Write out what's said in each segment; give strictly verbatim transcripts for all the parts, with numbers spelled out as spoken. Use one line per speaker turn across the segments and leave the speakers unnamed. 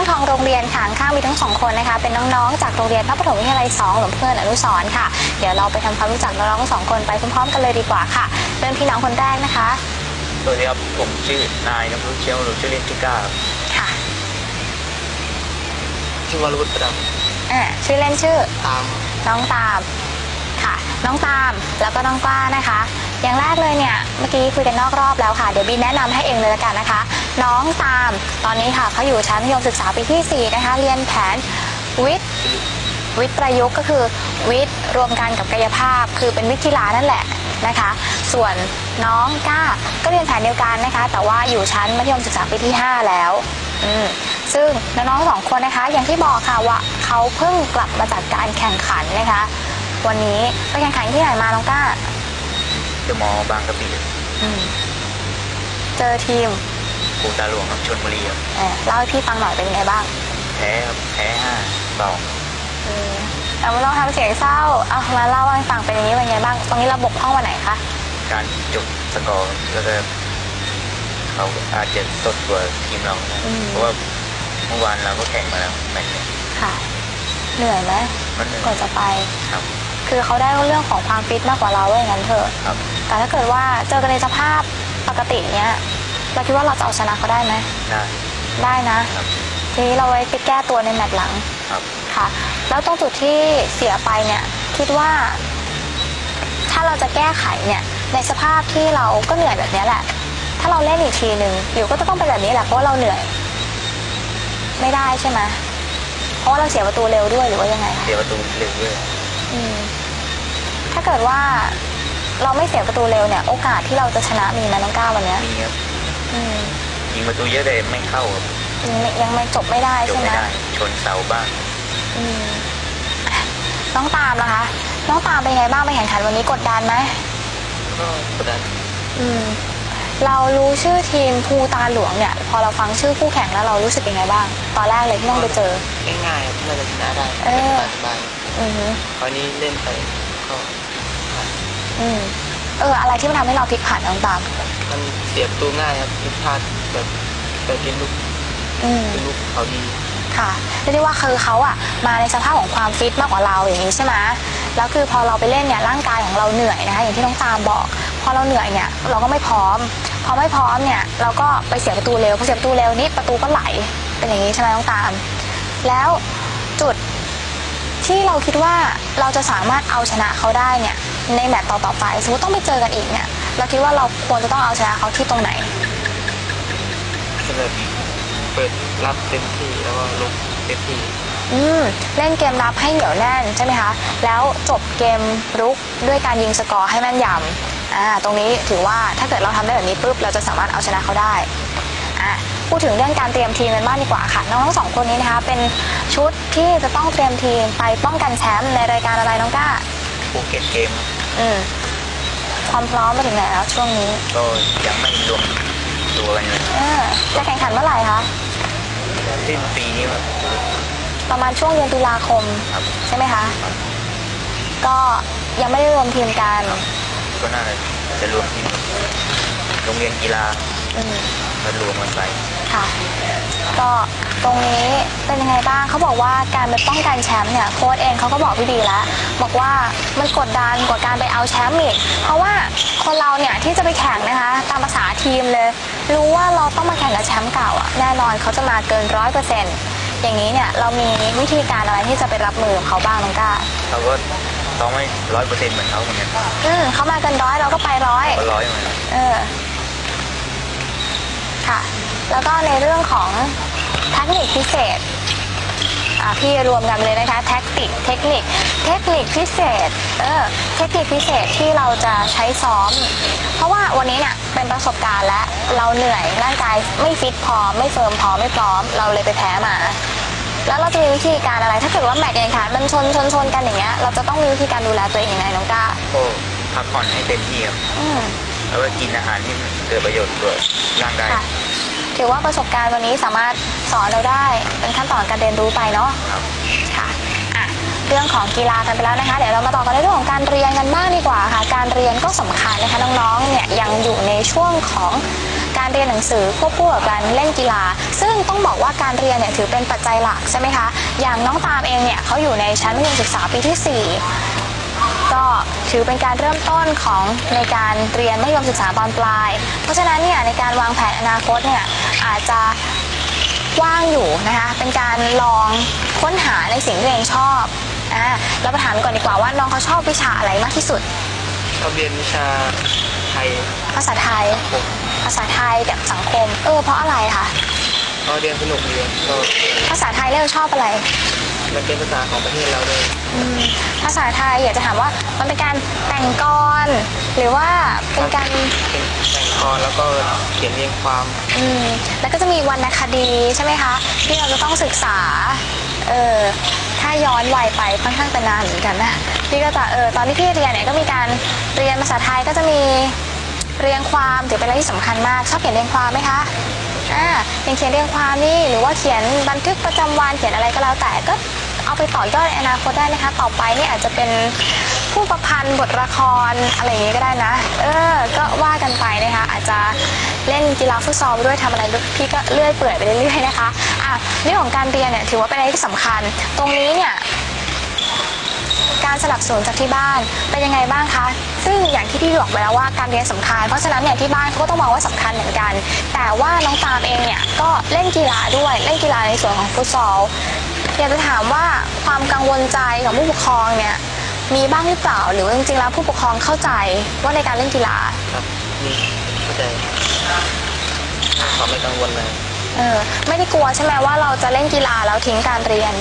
ของโรงเรียนค่ะข้างมีทั้งสองคนนะคะเป็นน้องๆจากโรงเรียนพระปฐมวิทยาลัยสองหลวงพ่ออนุสรณ์ค่ะเดี๋ยวเราไปทำความรู้จักน้องๆสองคนไปพร้อมๆกันเลยดีกว่าค่ะเริ่มที่น้องคนแรกนะคะ
สวัสดีครับผมชื่อนายนภรุเชียวหรือชื่อเล่นชื่อก้า
ค่ะ
ชื่อวรวุฒิประดับ
อ่าชื่อเล่นชื่อ
ตาม
น้องตามค่ะน้องตามแล้วก็น้องกล้านะคะอย่างแรกเลยเนี่ยเมื่อกี้คุยกันนอกรอบแล้วค่ะเดี๋ยวบีแนะนำให้เองเลยละกันนะคะน้องตามตอนนี้ค่ะเขาอยู่ชั้นมัธยมศึกษาปีที่สี่นะคะเรียนแผนวิทย์วิทย์ประยุกต์ก็คือวิทย์รวมกันกับกายภาพคือเป็นวิทย์กีฬานั่นแหละนะคะส่วนน้องก้าก็เรียนแผนเดียวกันนะคะแต่ว่าอยู่ชั้นมัธยมศึกษาปีที่ห้าแล้วอืมซึ่งน้องๆสองคนนะคะอย่างที่บอกค่ะว่าเขาเพิ่งกลับมาจากการแข่งขันนะคะวันนี้ไปแข่งขันที่ไหนมาน้องก้า
เดอะมอลล์บางกะปิ
เจอทีม
ปูตาหลวงชลบุรีครับ
เล่าให้พี่ฟังหน่อยเป็นยังไงบ้าง
แพ้ครับแพ้ห้าสอง
แต่ไม่ต้องทำเสียงเศร้าเอามาเล่าให้ฟังเป็นอย่างนี้เป็นยังไงบ้างตรงนี้เราบกพร่องวันไหนคะ
การจบสกอร์แล้วก็เขาอาจจะสดกว่าทีมเราเพราะว่าเมื่อวานเราก็แข่งมาแล้วแมตช์นี้
ค่ะเหนื่อยไหมก่อนจะไป
ครับ
คือเขาได้เรื่องของความฟิตมากกว่าเราว่าอย่างนั้นเถอะแต่ถ้าเกิดว่าเจอกันในสภาพปกติเนี้ยเราคิดว่าเราจะเอาชนะเขาได้ไหม
ได้
ได้นะทีนี้เราไว้ไปแก้ตัวในแมตช์หลังค่ะแล้วตรงจุดที่เสียไปเนี่ยคิดว่าถ้าเราจะแก้ไขเนี่ยในสภาพที่เราก็เหนื่อยแบบนี้แหละถ้าเราเล่นอีกทีหนึ่งอยู่ก็จะต้องเป็นแบบนี้แหละเพราะว่าเราเหนื่อยไม่ได้ใช่ไหมเพราะว่าเราเสียประตูเร็วด้วยหรือว่ายังไง
เสียประตูเร็วด้วย
ถ้าเกิดว่าเราไม่เสียประตูเร็วเนี่ยโอกาสที่เราจะชนะมีไหมน้องก้าววันนี้
มีครับยิงประตูเยอะแต่ไม่เข้าครับ
ยังไม่จบไม่ได้ใช่ไหม
ชนเสาบ้าง
น้องตามนะคะน้องตามเป็นไงบ้างไปแข่งขันวันนี้กดดันไหม
ก็กดดัน
เรารู้ชื่อทีมภูตาหลวงเนี่ยพอเราฟังชื่อคู่แข่งแล้วเรารู้สึกยังไงบ้างตอนแรกเลยที่ต้องไปเจอ
ง่ายๆน่าจะชนะได้สบายๆคราวนี้เล่นไปก็
อืมเอออะไรที่มันทำให้เราพลิกผันน้องตาม
มันเสียประตูง่ายครับผิดพลาดแบบไปกินลูกกินลูกเขาดี
ค่ะเรียกได้ว่าคือเขาอะมาในสภาพของความฟิตมากกว่าเราอย่างนี้ใช่ไหมแล้วคือพอเราไปเล่นเนี่ยร่างกายของเราเหนื่อยนะคะอย่างที่น้องตามบอกพอเราเหนื่อยเนี่ยเราก็ไม่พร้อมพอไม่พร้อมเนี่ยเราก็ไปเสียประตูเร็วพอเสียประตูเร็วนี่ประตูก็ไหลเป็นอย่างนี้ใช่ไหมน้องตามแล้วจุดที่เราคิดว่าเราจะสามารถเอาชนะเขาได้เนี่ยในแมตช์ต่อๆไปสมมติต้องไปเจอกันอีกเนี่ยเราคิดว่าเราควรจะต้องเอาชนะเขาที่ตรงไหน
แบบเปิดรับเต็มที่แล้วก็ลุกเต็มที่
อืมเล่นเกมรับให้เหนียวแน่นใช่ไหมคะแล้วจบเกมรุกด้วยการยิงสกอร์ให้แม่นยำอ่าตรงนี้ถือว่าถ้าเกิดเราทำได้แบบนี้ปุ๊บเราจะสามารถเอาชนะเขาได้อ่ะพูดถึงเรื่องการเตรียมทีมกันบ้างดีกว่าค่ะน้องทั้งสองคนนี้นะคะเป็นชุดที่จะต้องเตรียมทีมไปป้องกันแชมป์ในรายการอะไรน้องก้า
ภูเก็ตเกม
อืมความพร้อมมาถึงไหนแล้วช่วงนี้
ก็ยังไม่รวมตัวกันเลย
จะแข่งขันเมื่อไหร่คะ
สิ้นปีนี้ครับ
ประมาณช่วงเดือนตุลาคมใช่ไหมคะก็ยังไม่ได้รวมทีมกัน
ก็น่าจะรวมทีมโรงเรียนกีฬาก็รวมกันไป
ค่ะก็ตรงนี้เป็นยังไงบ้างเขาบอกว่าการไปป้องกันแชมป์เนี่ยโค้ชเองเขาก็บอกพี่ดีแล้วบอกว่ามันกดดันกว่าการไปเอาแชมป์อีกเพราะว่าคนเราเนี่ยที่จะไปแข่งนะคะตามภาษาทีมเลยรู้ว่าเราต้องมาแข่งกับแชมป์เก่าอ่ะแน่นอนเขาจะมาเกินร้อยเปอร์เซ็นต์อย่างนี้เนี่ยเรามีวิธีการอะไรที่จะไปรับมือเขาบ้างน้องก้า
เราก็ต้องไม่ร้อยเปอร์เซ็นต์เหมือนเขาเหมือนกัน
อืมเขามาเกินร้อยเราก็ไปร้อย
ร้อยเหมือนกัน
เออค่ะแล้วก็ในเรื่องของเทคนิคพิเศษพี่รวมกันเลยนะคะแท็กติกเทคนิคเทคนิคพิเศษเออเทคนิคพิเศษที่เราจะใช้ซ้อมเพราะว่าวันนี้เนี่ยเป็นประสบการณ์และเราเหนื่อยร่างกายไม่ฟิตพอไม่เฟิร์มพอไม่พร้อมเราเลยไปแพ้มาแล้วเราจะมีวิธีการอะไรถ้าเกิดว่าแมตช์แข่งขันมันชนชนชนกันอย่างเงี้ยเราจะต้องมีวิธีการดูแลตัวเองยังไงน้องก้า
โอ้พักผ่อนให้เต็มที่ครับแล้วก็กินอาหารที่เกิดประโยชน์กับร่างกาย
ถือว่าประสบการณ์วันนี้สามารถสอนเราได้เป็นขั้นตอนการเรียนรู้ไปเนาะค่ะอ่ะเรื่องของกีฬากันไปแล้วนะคะเดี๋ยวเรามาต่อกันในเรื่องของการเรียนกันบ้างดีกว่าค่ะการเรียนก็สำคัญนะคะน้องๆเนี่ยยังอยู่ในช่วงของการการเรียนหนังสือควบคู่กับการเล่นกีฬาซึ่งต้องบอกว่าการเรียนเนี่ยถือเป็นปัจจัยหลักใช่ไหมคะอย่างน้องตามเองเนี่ยเขาอยู่ในชั้นมัธยมศึกษาปีที่สี่ก็ถือเป็นการเริ่มต้นของในการเรียนมัธยมศึกษาตอนปลายเพราะฉะนั้นเนี่ยในการวางแผนอนาคตเนี่ยอาจจะว่างอยู่นะคะเป็นการลองค้นหาในสิ่งที่ตัวเองชอบอ่าเราไปถามก่อนดีกว่าว่าน้องเขาชอบวิชาอะไรมากที่สุด
ชอบเรียนวิชาไทย
ภาษาไทยภาษาไทยกับสังคมเออเพราะอะไรคะ
ก็เรียนสนุกดีก็
ภาษาไทยเราชอบอะไร
มันเป็นภาษาของประเทศเราเลย
ภาษาไทยอยากจะถามว่ามันเป็นการแต่งกรหรือว่าเป็นการ
แต่งกรแล้วก็เขียนเรียงความ
อืมแล้วก็จะมีวรรณคดีใช่ไหมคะที่เราจะต้องศึกษาเออถ้าย้อนวัยไปค่อนข้างจะนานเหมือนกันนะพี่ก็จะเออตอนที่พี่เรียนเนี่ยก็มีการเรียนภาษาไทยก็จะมีเรียงความถือเป็นอะไรที่สำคัญมากชอบเขียนเรียงความไหมคะอ่าอย่างเขียนเรียงความนี่หรือว่าเขียนบันทึกประจำวันเขียนอะไรก็แล้วแต่ก็เอาไปต่อยอดในอนาคตได้นะคะต่อไปนี่อาจจะเป็นผู้ประพันธ์บทละครอะไรอย่างนี้ก็ได้นะเออก็ว่ากันไปนะคะอาจจะเล่นกีฬาฟุตซอลด้วยทำอะไรพี่ก็เลื่อยเปื่อยไปเรื่อยๆนะคะอ่ะเรื่องของการเรียนเนี่ยถือว่าเป็นอะไรที่สำคัญตรงนี้เนี่ยการสนับสนุนจากที่บ้านเป็นยังไงบ้างคะซึ่งอย่างที่พี่บอกไปแล้วว่าการเรียนสำคัญเพราะฉะนั้นเนี่ยที่บ้านเขาก็ต้องมองว่าสำคัญเหมือนกันแต่ว่าน้องตามเองเนี่ยก็เล่นกีฬาด้วยเล่นกีฬาในส่วนของฟุตซอลอยากจะถามว่าความกังวลใจของผู้ปกครองเนี่ยมีบ้างหรือเปล่าหรือว่าจริงๆแล้วผู้ปกครองเข้าใจว่าในการเล่นกีฬา
ครับมีเข้าใจเขาไม่กังวลเลย
เออไม่ได้กลัวใช่ไหมว่าเราจะเล่นกีฬาแล้วทิ้งการเรียน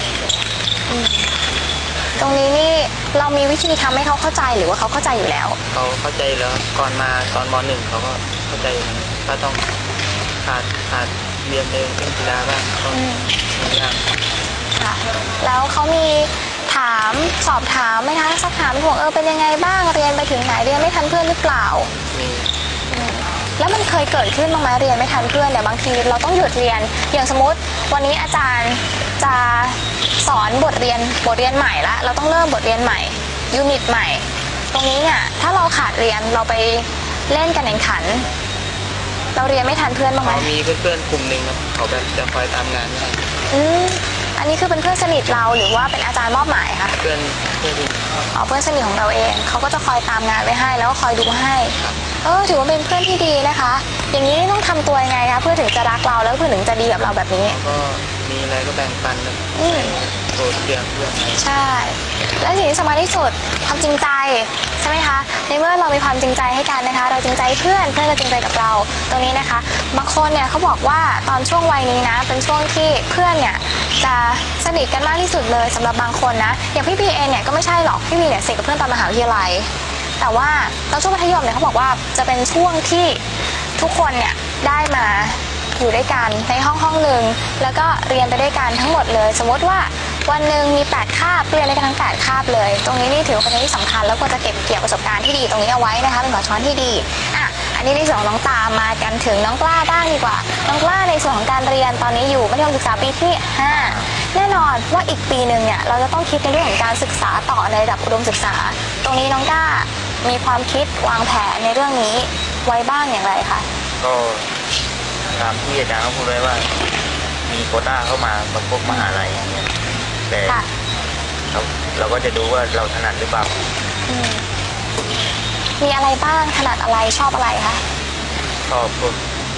ตรงนี้นี่เรามีวิธีทำให้เขาเข้าใจหรือว่าเขาเข้าใจอยู่แล้ว
เขาเข้าใจแล้วก่อนมาตอนม.หนึ่งเขาก็เข้าใจก็ต้องขาดขาดเรียนเล่นกีฬาบ้างต้อง
ค่ะแล้วเขามีถามสอบถามไหมคะสักถามห่วงเออเป็นยังไงบ้างเรียนไปถึงไหนเรียนไม่ทันเพื่อนหรือเปล่า
มี
แล้วมันเคยเกิดขึ้นบ้างไหมเรียนไม่ทันเพื่อนเนี่ยบางทีเราต้องหยุดเรียนอย่างสมมติวันนี้อาจารย์จะสอนบทเรียนบทเรียนใหม่ละเราต้องเริ่มบทเรียนใหม่ยูนิตใหม่ตรงนี้เนี่ยถ้าเราขาดเรียนเราไปเล่นกันแข่งขันเราเรียนไม่ทันเพื่อนบ้างไหม
มีเพื่อนๆกลุ่มหนึ่งครับเขาแบบจะคอยตามงานให้
อืมอันนี้คือเป็นเพื่อนสนิทเราหรือว่าเป็นอาจารย์มอบหมายคะ
เพื่อนเพื่อน
อ๋อเพื่อนสนิทของเราเองเขาก็จะคอยตามงานไว้ให้แล้วก็คอยดูให้เออถือว่าเป็นเพื่อนที่ดีนะคะอย่างนี้ต้องทำตัวยังไงคะเพื่อถึงจะรักเราแล้วเพื่อถึงจะดีกับเราแบบนี้
ก็มีอะไรก็แบ่งปันนะโปรดเพื่อนเพื่อน
ใช่และสิ่งที่สำคัญที่สุดความจริงใจใช่ไหมคะในเมื่อเรามีความจริงใจให้กันนะคะเราจริงใจเพื่อนเพื่อนก็จริงใจกับเราตรงนี้นะคะบางคนเนี่ยเขาบอกว่าตอนช่วงวัยนี้นะเป็นช่วงที่เพื่อนเนี่ยจะสนิทกันมากที่สุดเลยสำหรับบางคนนะอย่างพี่พีเองเนี่ยก็ไม่ใช่หรอกพี่พีเนี่ยสนิทกับเพื่อนตอนมหาวิทยาลัยแต่ว่าตอนช่วงมัธยมเนี่ยเขาบอกว่าจะเป็นช่วงที่ทุกคนเนี่ยได้มาอยู่ด้วยกันในห้องห้องหนึ่งแล้วก็เรียนไปด้วยกันทั้งหมดเลยสมมติว่าวันหนึ่งมีแปดคาบเรียนด้วยกันทั้งแปดคาบเลยตรงนี้นี่ถือว่าเป็นเรื่องที่สำคัญแล้วควรจะเก็บเกี่ยวประสบการณ์ที่ดีตรงนี้เอาไว้นะคะเป็นหัวช้อนที่ดีอ่ะอันนี้ในส่วนของน้องตามมากันถึงน้องกล้าบ้างดีกว่าน้องกล้าในส่วนของการเรียนตอนนี้อยู่มัธยมศึกษาปีที่ห้าแน่นอนว่าอีกปีหนึ่งเนี่ยเราจะต้องคิดในเรื่องของการศึกษาต่อในระดับอุดมศึกษาตรงนี้น้องกล้ามีความคิดวางแผนในเรื่องนี้ไว้บ้างอย่างไรคะ
ก็ตามที่อาจารย์เขาพูดไว้ว่ามีโควต้าเข้ามาประกบมหาลัยอย่างเงี้ยแต่เราเราก็จะดูว่าเราถนัดหรือเปล่า
มีอะไรบ้างถนัดอะไรชอบอะไรคะ
ชอบพวก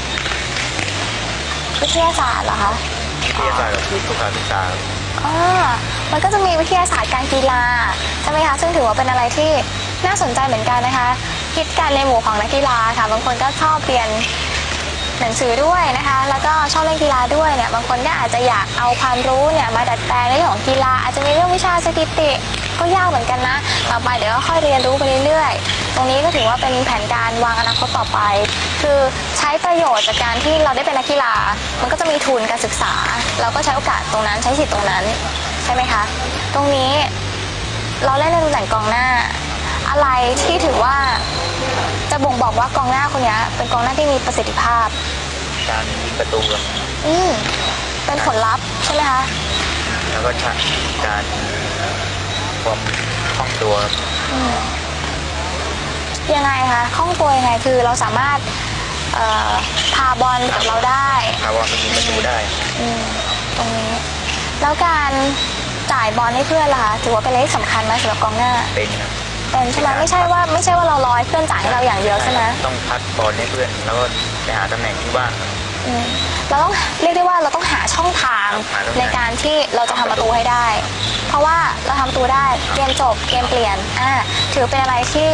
วิทยาศาสตร์เหรอคะ
วิทยาศาสตร์กับสุขศึกษา
อ๋อมันก็จะมีวิทยาศาสตร์การกีฬาใช่ไหมคะซึ่งถือว่าเป็นอะไรที่น่าสนใจเหมือนกันนะคะคิดกันในหมู่ของนักกีฬาค่ะบางคนก็ชอบเรียนหนังสือด้วยนะคะแล้วก็ชอบเล่นกีฬาด้วยเนี่ยบางคนก็อาจจะอยากเอาความรู้เนี่ยมาดัดแปลงในเรื่องของกีฬาอาจจะมีเรื่องวิชาสถิติก็ยากเหมือนกันนะต่อไปเดี๋ยวก็ค่อยเรียนรู้ไปเรื่อยๆตรงนี้ก็ถือว่าเป็นแผนการวางอนาคตต่อไปคือใช้ประโยชน์จากการที่เราได้เป็นนักกีฬามันก็จะมีทุนการศึกษาเราก็ใช้โอกาสตรงนั้นใช้สิทธิ์ตรงนั้นใช่ไหมคะตรงนี้เราเล่นในตำแหน่งกองหน้าอะไรที่ถือว่าจะบ่งบอกว่ากองหน้าคนนี้เป็นกองหน้าที่มีประสิทธิภาพ
การยิงประตู
อืมเป็นผลลัพธ์ใช่ไหมคะ
แล้วก็การความคล่องตัว
ยังไงคะคล่องตัวยังไงคือเราสามารถเอ่อพาบอลกับเราได้
พาบอลไปยิงประตูได้
อืมตรงนี้ แล้วการจ่ายบอลให้เพื่อนล่ะคะถือว่าเป็นเรื่องสำคัญไหมสำหรับกองหน้า
เป็นครับ
เป็นใช่ไหมไม่ใช่ว่าไม่ใช่ว่าเรารอให้เพื่อนจ่ายให้เราอย่างเดียวใช่ไหม
ต้องพัดบอลให้เพื่อนแล้วก็ไปหาตำแหน่งที่ว่างครับ
อืมเราต้องเรียกได้ว่าเราต้องหาช่องทาง
หาช่องทาง
ในการที่เราจะทำประตูให้ได้ เพราะว่าเราทำประตูได้เกมจบเกมเปลี่ยนอ่าถือเป็นอะไรที่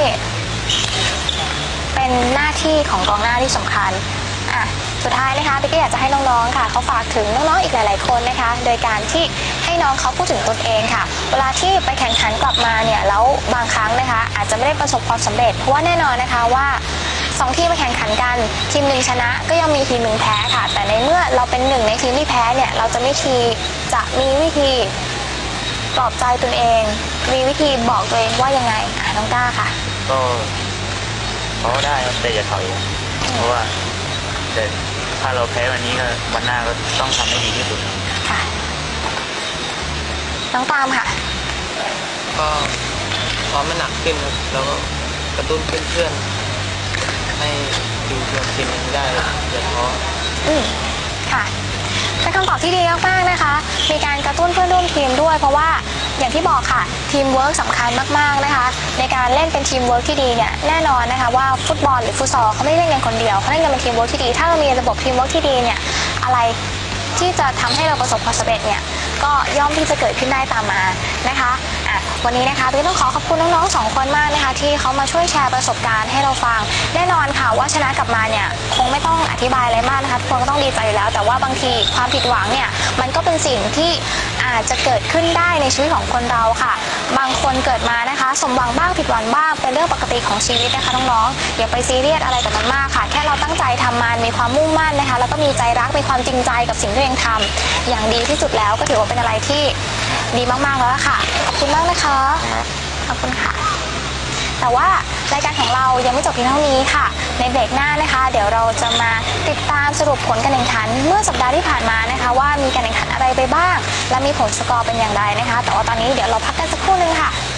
เป็นหน้าที่ของกองหน้าที่สำคัญอ่ะสุดท้ายนะคะพี่ก็อยากจะให้น้องๆค่ะเขาฝากถึงน้องๆอีกหลายๆคนนะคะ โดยการที่ให้น้องเขาพูดถึงตนเองค่ะ เวลาที่ไปแข่งขันกลับมาเนี่ยแล้วบางครั้งนะคะ อาจจะไม่ได้ประสบความสำเร็จเพราะว่าแน่นอนนะคะว่าสองทีมไปแข่งขันกันทีมหนึ่งชนะก็ยังมีทีมหนึ่งแพ้ค่ะ แต่ในเมื่อเราเป็นหนึ่งในทีมที่แพ้เนี่ยเราจะไม่ทีจะมีวิธีปลอบใจตนเอง มีวิธีบอกตัวเองว่ายังไงอ่ะน้องก้าค่ะ
ก็เพราะได้ครับแต่อย่าถอยครับเพราะว่าแต่ถ้าเราแพ้วันนี้ก็วันหน้าก็ต้องทำให้ดีที่สุดครับ
ค่ะน้องตามค่ะ
ก็ซ้อมมันหนักขึ้นครับแล้วก็กระตุ้นเพื่อนๆให้อยู่รวมทีมนี้ได้อย่าท้อ
อืมค่ะเป็นคำตอบที่ดีมากๆนะคะ มีการกระตุ้นเพื่อนร่วมทีมด้วย เพราะว่าอย่างที่บอกค่ะทีมเวิร์กสำคัญมากๆนะคะ ในการเล่นเป็นทีมเวิร์กที่ดีเนี่ยแน่นอนนะคะว่าฟุตบอลหรือฟุตซอลเขาไม่ได้เล่นกันคนเดียวเขาเล่นกันเป็นทีมเวิร์กที่ดี ถ้าเรามีระบบทีมเวิร์กที่ดีเนี่ยอะไรที่จะทำให้เราประสบความสำเร็จเนี่ยก็ย่อมที่จะเกิดขึ้นได้ตามมานะคะอ่ะวันนี้นะคะพี่ต้องขอขอบคุณน้องๆสองคนมากนะคะที่เขามาช่วยแชร์ประสบการณ์ให้เราฟังแน่นอนค่ะว่าชนะกลับมาเนี่ยคงไม่ต้องอธิบายอะไรมากนะคะทุกคนก็ต้องดีใจอยู่แล้ว แต่ว่าบางทีความผิดหวังเนี่ยมันก็เป็นสิ่งที่อาจจะเกิดขึ้นได้ในชีวิตของคนเราค่ะ บางคนเกิดมานะคะสมหวังบ้างผิดหวังบ้างเป็นเรื่องปกติของชีวิตนะคะน้องๆอย่าไปซีเรียสอะไรกับมันมากค่ะแค่เราตั้งใจทำมันมีความมุ่งมั่นนะคะแล้วก็มีใจรักมีความจริงใจกับสิ่งที่ตัวเองทำอย่างดีที่สุดแล้วก็ถือว่าเป็นอะไรที่ดีมากๆแล้วล่ะค่ะขอบคุณมากนะคะ
ครับ
ขอบคุณค่ะ แต่ว่ารายการของเรายังไม่จบเพียงเท่านี้ค่ะ ในเบรกหน้านะคะ เดี๋ยวเราจะมาติดตามสรุปผลการแข่งขันเมื่อสัปดาห์ที่ผ่านมานะคะ ว่ามีการแข่งขันอะไรไปบ้าง และมีผลสกอร์เป็นอย่างไรนะคะ แต่ว่าตอนนี้เดี๋ยวเราพักกันสักครู่นึงค่ะ